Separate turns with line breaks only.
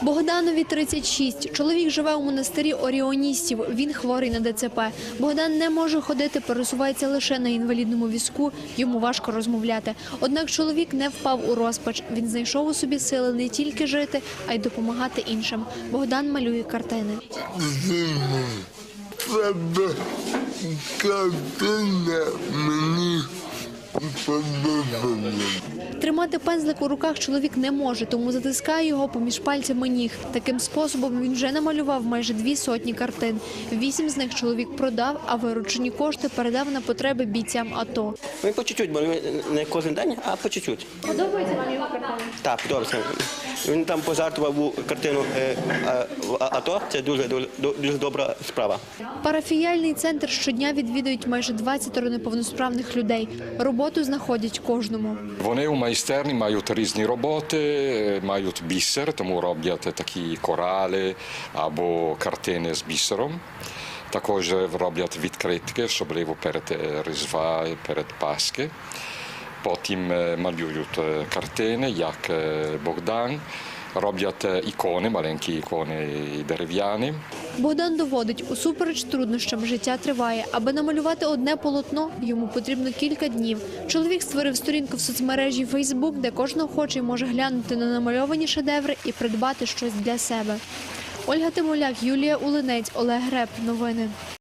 Богданові 36. Чоловік живе у монастирі оріоністів. Він хворий на ДЦП. Богдан не може ходити, пересувається лише на інвалідному візку. Йому важко розмовляти. Однак чоловік не впав у розпач. Він знайшов у собі сили не тільки жити, а й допомагати іншим. Богдан малює картини.
Треба картина мені подобається.
Тримати пензлик у руках чоловік не може, тому затискає його поміж пальцями ніг. Таким способом він вже намалював майже 200 картин. 8 з них чоловік продав, а виручені кошти передав на потреби бійцям АТО.
Ми по чуть-чуть, бо не кожен день, а по чуть-чуть.
Подобається вам його картини?
Так, подобається. Він там пожартував у картину АТО, це дуже добра справа.
Парафіяльний центр щодня відвідують майже 20 неповносправних людей. Роботу знаходять кожному.
Вони у майстерні мають різні роботи, мають бісер, тому роблять такі корали або картини з бісером. Також роблять відкритки, особливо перед Різдва, перед Пасхи. Потім малюють картини, як Богдан. Роблять ікони, маленькі ікони дерев'яні.
Богдан доводить, усупереч труднощам життя триває. Аби намалювати одне полотно, йому потрібно кілька днів. Чоловік створив сторінку в соцмережі Facebook, де кожен охочий може глянути на намальовані шедеври і придбати щось для себе. Ольга Тимоляк, Юлія Улинець, Олег Греб. Новини.